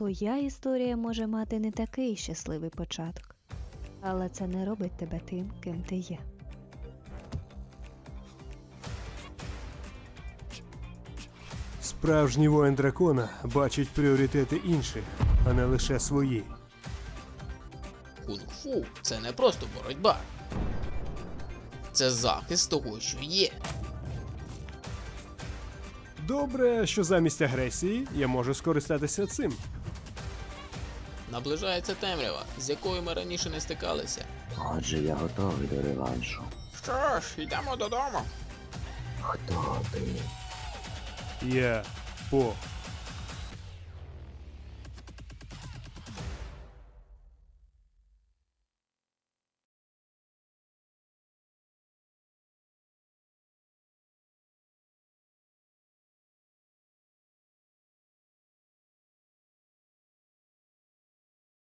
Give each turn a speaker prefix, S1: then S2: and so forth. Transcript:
S1: Твоя історія може мати не такий щасливий початок, але це не робить тебе тим, ким ти є.
S2: Справжній воїн дракона бачить пріоритети інших, а не лише свої.
S3: Кунг-фу – це не просто боротьба. Це захист того, що є.
S2: Добре, що замість агресії я можу скористатися цим.
S3: Наближається темрява, з якою ми раніше не стикалися.
S4: Отже, я готовий до реваншу.
S3: Що ж, йдемо додому.
S4: Хто ти?
S2: Я по